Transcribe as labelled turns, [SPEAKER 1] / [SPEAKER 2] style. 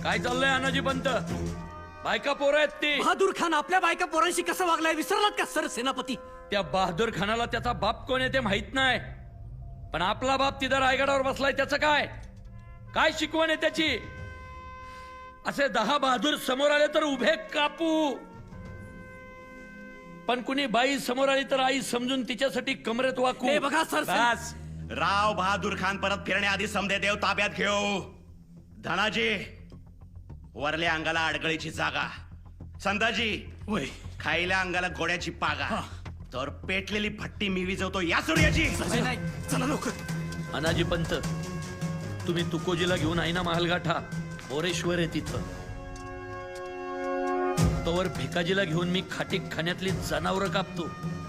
[SPEAKER 1] काय चाललंय अनाजी पंत? बायका पोरं आहेत ती.
[SPEAKER 2] बहादूर खान आपल्या बायका पोरांशी कसं वागलाय विसरलात का सर सेनापती?
[SPEAKER 1] त्या बहादूर खानाला त्याचा बाप कोण आहे ते माहित नाही, पण आपला बाप तिथं रायगडावर बसलाय त्याचं काय काय शिकवण आहे त्याची? असे 10 बहादूर समोर आले तर उभे कापू, पण कुणी बाई समोर आली तर आई समजून तिच्यासाठी कमरेत वाकू.
[SPEAKER 2] हे बघा सर,
[SPEAKER 1] बस.
[SPEAKER 3] राव बहादूर खान परत फिरण्याआधी समदे देव ताब्यात घेऊ. धनाजी, वरल्या अंगाला अडगळीची जागा. संदाजी,
[SPEAKER 2] वय
[SPEAKER 3] खायल्या अंगाला घोड्याची पागा. तर पेटलेली भट्टी मी विजवतो या सूर्याची.
[SPEAKER 2] संजय नाईक, चला लवकर.
[SPEAKER 1] अनाजी पंत, तुम्ही तुकोजीला घेऊन आहे ना महालगाठा, मोरेश्वर आहे तिथं. तोवर भिकाजीला घेऊन मी खाटीक खाण्यातली जनावरं कापतो.